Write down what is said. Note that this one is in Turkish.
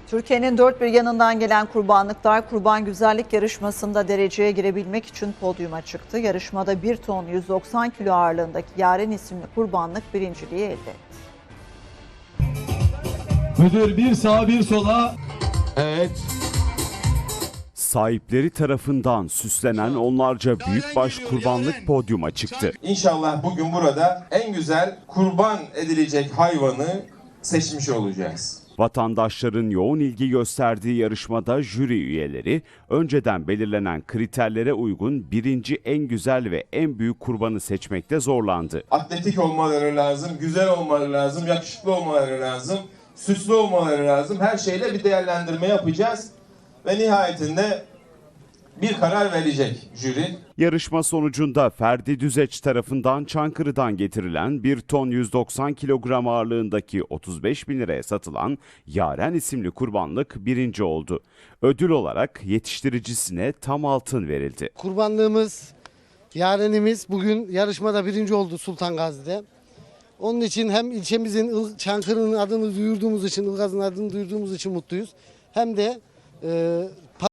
Türkiye'nin dört bir yanından gelen kurbanlıklar kurban güzellik yarışmasında dereceye girebilmek için podyuma çıktı. Yarışmada 1 ton 190 kilo ağırlığındaki Yaren isimli kurbanlık birinciliği elde etti. Müdür bir sağa bir sola. Evet. Sahipleri tarafından süslenen onlarca büyükbaş kurbanlık podyuma çıktı. İnşallah bugün burada en güzel kurban edilecek hayvanı seçmiş olacağız. Vatandaşların yoğun ilgi gösterdiği yarışmada jüri üyeleri önceden belirlenen kriterlere uygun birinci en güzel ve en büyük kurbanı seçmekte zorlandı. Atletik olmaları lazım, güzel olmaları lazım, yakışıklı olmaları lazım, süslü olmaları lazım. Her şeyle bir değerlendirme yapacağız ve nihayetinde bir karar verecek jüri. Yarışma sonucunda Ferdi Düzeç tarafından Çankırı'dan getirilen 1 ton 190 kilogram ağırlığındaki 35 bin liraya satılan Yaren isimli kurbanlık birinci oldu. Ödül olarak yetiştiricisine tam altın verildi. Kurbanlığımız, Yarenimiz bugün yarışmada birinci oldu Sultan Gazi'de. Onun için hem ilçemizin Çankırı'nın adını duyurduğumuz için, Ilgaz'ın adını duyurduğumuz için mutluyuz. Hem de